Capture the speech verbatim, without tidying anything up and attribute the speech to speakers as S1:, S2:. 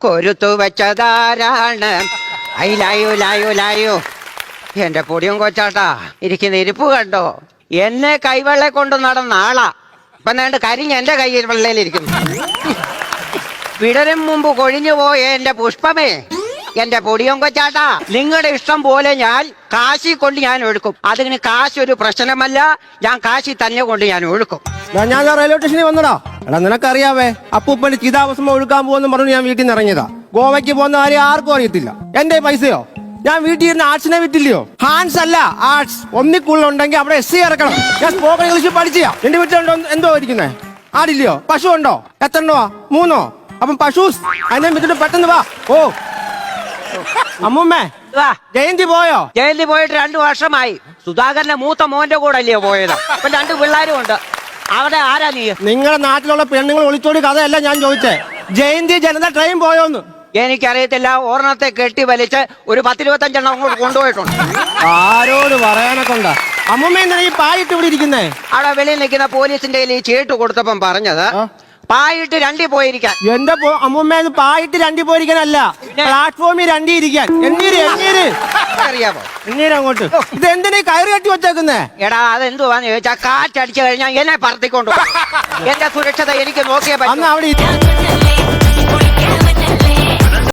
S1: കൊരുത്തു വെച്ചതാരാണ്? അയിലായോ ലായോ ലായോ. എന്റെ പൊടിയും കൊച്ചാട്ടാ ഇരിക്കുന്ന ഇരിപ്പ് കണ്ടോ? എന്നെ കൈവെള്ള കൊണ്ട് നടന്ന ആളാ ഇപ്പൊ നേണ്ട് കരിഞ്ഞ് എന്റെ കയ്യിൽ വെള്ളയിലിരിക്കുന്നു. വിടരും മുമ്പ് കൊഴിഞ്ഞു പോയ എന്റെ പുഷ്പമേ, എന്റെ പൊടിയും കൊച്ചാട്ടാ, നിങ്ങളുടെ ഇഷ്ടം പോലെ ഞാൻ കാശി കൊണ്ട് ഞാൻ ഒഴുക്കും. അതിന് കാശ് ഒരു പ്രശ്നമല്ല, ഞാൻ കാശി തന്നെ കൊണ്ട് ഞാൻ ഒഴുക്കും.
S2: ഞാൻ റെയിൽവേ സ്റ്റേഷനിൽ വന്നടാ. എടാ നിനക്കറിയാവേ, അപ്പൂപ്പന്റെ ചിതാഭസ്മം ഒഴുക്കാൻ പോകുന്ന പറഞ്ഞു ഞാൻ വീട്ടിൽ നിന്ന് ഇറങ്ങിയതാ. ഗോവയ്ക്ക് പോകുന്ന കാര്യം ആർക്കും അറിയത്തില്ല. എന്റെ പൈസയോ ഞാൻ വീട്ടിൽ ഇരുന്ന് ആർട്സിനെ വിറ്റില്ലയോ? ഹാൻസ് അല്ല ആർട്സ്. ഒന്നിക്കുള്ളുണ്ടെങ്കിൽ അവിടെ എസ് സി ഇറക്കണം. ഞാൻ സ്പോക്കൺ ഇംഗ്ലീഷ് പഠിച്ചാ. എന്റെ വീട്ടിലുണ്ടോ എന്തോ ഇരിക്കുന്നേ? ആടില്ലയോ? പശു ഉണ്ടോ? എത്ര എണ്ണവാ? മൂന്നോ? അപ്പം പശൂസ് അതിനെ വിട്ടിട്ട് പെട്ടെന്ന് വാ. ഓ അമ്മൂമ്മേ, ജയന്തി പോയോ?
S1: ജയന്തി പോയിട്ട് രണ്ടു വർഷമായി. സുധാകരന്റെ മൂത്ത മോന്റെ കൂടെ അല്ലയോ പോയത്? അപ്പൊ രണ്ട് പിള്ളേരും ഉണ്ട്. അവിടെ ആരാ നീ?
S2: നിങ്ങളുടെ നാട്ടിലുള്ള പെണ്ണുങ്ങൾ ഒളിച്ചോടി കഥയല്ല ഞാൻ ചോദിച്ചേ. ജയന്തി ജനത ട്രെയിൻ പോയോന്ന്.
S1: എനിക്കറിയത്തില്ല. ഓർണത്തെ കെട്ടി വലിച്ച് ഒരു പത്തിരുപത്തഞ്ചെണ്ണം അങ്ങോട്ട് കൊണ്ടുപോയിട്ടുണ്ട്.
S2: ആരോട് പറയാനൊക്കെ ഉണ്ടാ? അമ്മൂമ്മ എന്തിനാ ഈ പായിട്ട് ഇവിടെ ഇരിക്കുന്നേ? അവിടെ
S1: വെളിയിൽ നിൽക്കുന്ന പോലീസിന്റെ കയ്യിൽ ഈ ചീട്ട് കൊടുത്തപ്പം പറഞ്ഞത് പായിട്ട് രണ്ടി പോയിരിക്കാൻ.
S2: എന്റെ അമ്മൂമ്മ പായിട്ട് രണ്ടി പോയിരിക്കാനല്ല, പ്ലാറ്റ്ഫോമിൽ രണ്ടി ഇരിക്കാൻ. എണ്ണീര് എണ്ണീര്
S1: അറിയാമോ?
S2: എണ്ണീര് അങ്ങോട്ട്. ഇത് എന്തിനാ കയറി കെട്ടി വെച്ചേക്കുന്നേ?
S1: എടാ അതെന്തുവാന്ന് ചോദിച്ചാ കാറ്റടിച്ചു കഴിഞ്ഞാൽ എന്നെ പറത്തിക്കൊണ്ടു. എന്റെ സുരക്ഷത എനിക്ക് നോക്കിയേ പറ്റും.
S2: അവിടെ